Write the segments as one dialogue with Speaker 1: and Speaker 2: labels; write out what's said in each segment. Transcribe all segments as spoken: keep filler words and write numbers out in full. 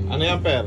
Speaker 1: Ano yan, Per?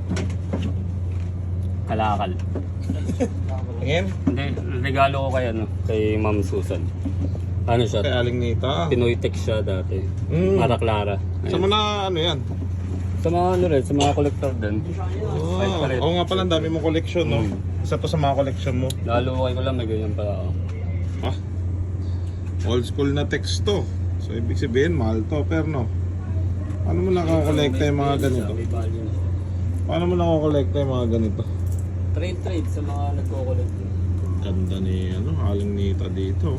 Speaker 2: Kalakal.
Speaker 1: Tingin?
Speaker 2: Hindi, regalo ko kay ano, kay Ma'am Susan. Ano siya?
Speaker 1: Kay Aling Nita.
Speaker 2: Pinoy Tech siya dati.
Speaker 1: Mm.
Speaker 2: Mara Clara.
Speaker 1: Sa mga ano yan?
Speaker 2: Sa mga ano rin, sa mga collector din.
Speaker 1: Oh,
Speaker 2: Ay, palit.
Speaker 1: oo nga pala, ang dami mong collection, no?
Speaker 2: Mm.
Speaker 1: Isa to sa mga collection mo.
Speaker 2: Lalo ko lang, may ganyan pala ako.
Speaker 1: Ah, old school na text to. So, ibig sabihin, mahal to, pero no? Paano mo nakakolekta yung mga ganito?
Speaker 2: May value na siya.
Speaker 1: Paano mo nakakolekta yung mga ganito?
Speaker 2: Trade trade sa mga nagko-collect.
Speaker 1: Ganda ni, ano, Aling Nita dito.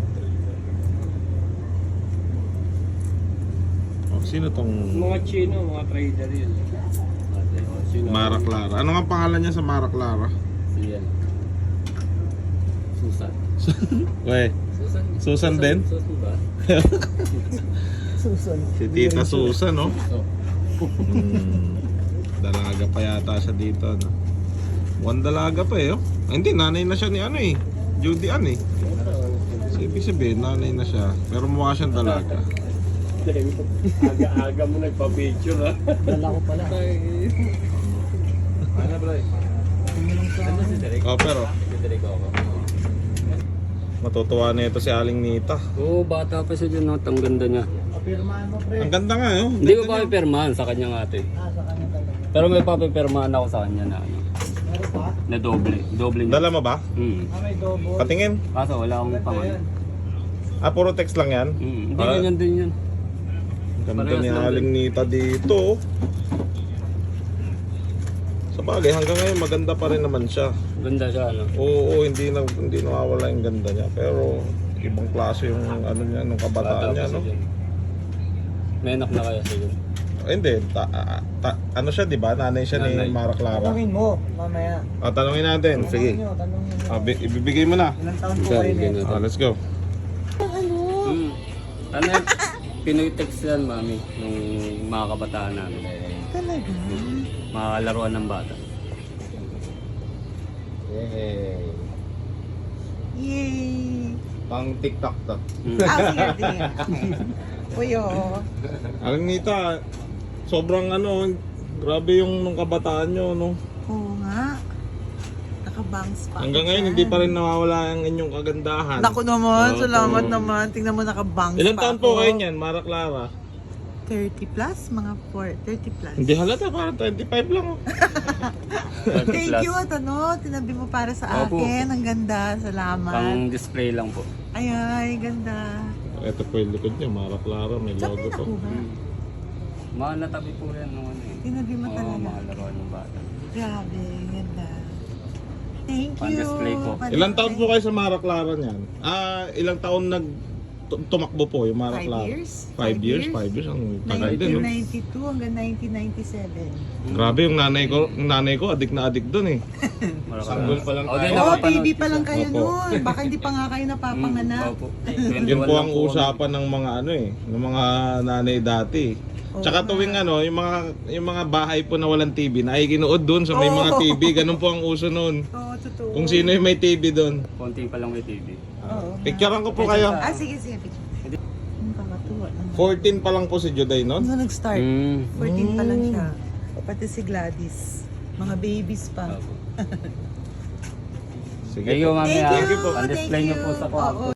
Speaker 1: Oh, sino tong
Speaker 3: Mga Chino, mga trader yun.
Speaker 1: Mara Clara? Ano nga pangalan niya sa Mara Clara?
Speaker 2: Si yan. Susan.
Speaker 1: Weh,
Speaker 2: Susan.
Speaker 1: Susan din?
Speaker 2: Susan ba?
Speaker 3: Susan.
Speaker 1: Si Tita Susan, no?
Speaker 2: So,
Speaker 1: Hmm, dalaga pa yata siya dito, no? One dalaga pa eh, oh. Ay, hindi, nanay na siya ni ano eh. Judy Ann eh. So, ibig sabihin, nanay na siya. Pero mukha siyang dalaga.
Speaker 3: Aga-aga mo nagpa-picture ha. Dala ko pala.
Speaker 2: ano bro? Ano si Derek?
Speaker 1: Oh, pero
Speaker 2: Si Derek ako.
Speaker 1: matutuwa na ito si Aling Nita.
Speaker 2: Oo, bata pa siya dyan, no? Ang ganda niya.
Speaker 3: Pirmahan mo pre.
Speaker 1: Ang ganda nga, oh.
Speaker 2: Hindi ko pa pipirmahan sa kanya nga ate.
Speaker 3: Ah, sa kanya talaga.
Speaker 2: Pero may papipirmahan ako sa kanya na ano.
Speaker 3: Meron pa?
Speaker 2: Na doble. Doble niya.
Speaker 1: Dala mo ba?
Speaker 2: Hmm.
Speaker 3: Ah, may double.
Speaker 1: Patingin.
Speaker 2: Kaso wala akong pangalan.
Speaker 1: Ah, puro text lang yan?
Speaker 2: Hmm. Hindi
Speaker 1: Ah,
Speaker 2: ganyan din yan.
Speaker 1: Ganda
Speaker 2: Parehas
Speaker 1: ni
Speaker 2: lang
Speaker 1: Aling Nita dito, oh. Sa bagay, hanggang ngayon maganda pa rin naman siya.
Speaker 2: Ganda siya ano.
Speaker 1: Oo, hindi na hindi nawawala yung ganda niya, pero ibang klase yung ano niya nung kabataan
Speaker 2: Bata
Speaker 1: niya,
Speaker 2: pa
Speaker 1: no.
Speaker 2: siya dyan. May anak na kaya siya dyan.
Speaker 1: Eh, hindi, ta, ah, ta- ano siya, 'di ba? Nanay siya
Speaker 2: Nanay.
Speaker 1: ni Mara Clara.
Speaker 3: Tanungin mo, mamaya.
Speaker 1: Ah, tanungin natin. Sige.
Speaker 3: Tanungin nyo, tanungin nyo.
Speaker 1: Ah, bi- ibibigay mo na.
Speaker 3: Ilang taon po
Speaker 2: Ikaw,
Speaker 3: kayo
Speaker 2: bigyan
Speaker 3: net?
Speaker 2: natin.
Speaker 1: Ah, let's go.
Speaker 2: Hmm. Ano yan? Pinoy text yan, mami. Nung mga kabataan namin.
Speaker 3: Talaga?
Speaker 2: Mga laruan ng bata.
Speaker 1: Yay.
Speaker 3: Yay!
Speaker 1: Pang TikTok to.
Speaker 2: Hmm.
Speaker 3: Ah, sige, sige. Uy, oo.
Speaker 1: Aling Nita, sobrang ano, grabe yung nung kabataan nyo, no.
Speaker 4: Oo nga. Nakabangs pa.
Speaker 1: Hanggang
Speaker 4: ako
Speaker 1: ngayon,
Speaker 4: dyan.
Speaker 1: hindi pa rin nawawala ang inyong kagandahan.
Speaker 4: Naku naman,
Speaker 1: Oo,
Speaker 4: salamat
Speaker 1: oo.
Speaker 4: naman. Tingnan mo nakabangs
Speaker 1: Ilan
Speaker 4: pa
Speaker 1: taon
Speaker 4: ako.
Speaker 1: po kayo niyan, Mara Clara?
Speaker 4: thirty plus? Mga four, thirty plus.
Speaker 1: Hindi halata, parang twenty-five lang, oh.
Speaker 2: thirty
Speaker 4: Thank
Speaker 2: plus.
Speaker 4: you at ano, tinabi mo para sa
Speaker 2: Opo.
Speaker 4: akin. Ang ganda, salamat.
Speaker 2: Pang display lang po.
Speaker 4: Ay, ay, ganda.
Speaker 1: Ito po yung likod niya, Mara Clara, may
Speaker 4: Saan
Speaker 1: logo
Speaker 4: may
Speaker 1: to.
Speaker 4: nakuha?
Speaker 2: Hmm. Mga natabi po rin nung ano eh.
Speaker 4: Tinabi mo
Speaker 2: Oo,
Speaker 4: talaga.
Speaker 2: mga laruan ng bata.
Speaker 4: Grabe, ganda. Thank you.
Speaker 2: Pan-display po.
Speaker 4: Pan-display.
Speaker 1: Ilang taon po kayo sa Mara Clara niyan? Ah, ilang taon nag tu- tumakbo po yung Mara
Speaker 4: Five
Speaker 1: Clara?
Speaker 4: years?
Speaker 1: Five years? Five years? Ang tagal din,
Speaker 4: nineteen
Speaker 1: no?
Speaker 4: ninety-two hanggang nineteen ninety-seven.
Speaker 1: Grabe, yung nanay ko, yung nanay ko, adik na adik dun eh. Sanggol pa lang
Speaker 2: Oh,
Speaker 1: tayo.
Speaker 2: di,
Speaker 4: Oo, oh,
Speaker 2: nakapanood
Speaker 4: baby pa lang kayo
Speaker 1: Opo.
Speaker 4: noon. Baka hindi pa nga kayo napapanganak.
Speaker 2: Opo.
Speaker 1: Yun po ang usapan ng mga ano eh, ng mga nanay dati. Tsaka
Speaker 4: Oo
Speaker 1: tuwing
Speaker 4: nga.
Speaker 1: ano, yung mga yung mga bahay po na walang T V, nakikinuod doon sa may mga
Speaker 4: Oo.
Speaker 1: T V, ganun po ang uso noon.
Speaker 4: Oo, totoo.
Speaker 1: Kung sino yung may T V doon.
Speaker 2: Konting pa lang may T V.
Speaker 4: Oo.
Speaker 1: Picturean ko po kayo.
Speaker 4: Ah, sige, sige. picture. Ano ka matuwa?
Speaker 1: fourteen pa lang po si Juday noon.
Speaker 4: Ano nag-start?
Speaker 2: Hmm.
Speaker 4: fourteen pa lang siya. Pati si Gladys. Mga babies pa.
Speaker 1: Sige
Speaker 2: Thank you,
Speaker 1: po.
Speaker 2: mami.
Speaker 4: Thank
Speaker 2: ah.
Speaker 4: you.
Speaker 1: po.
Speaker 2: Ang display
Speaker 4: Thank
Speaker 2: niyo po
Speaker 4: you.
Speaker 2: sa kwarto.
Speaker 4: Oo,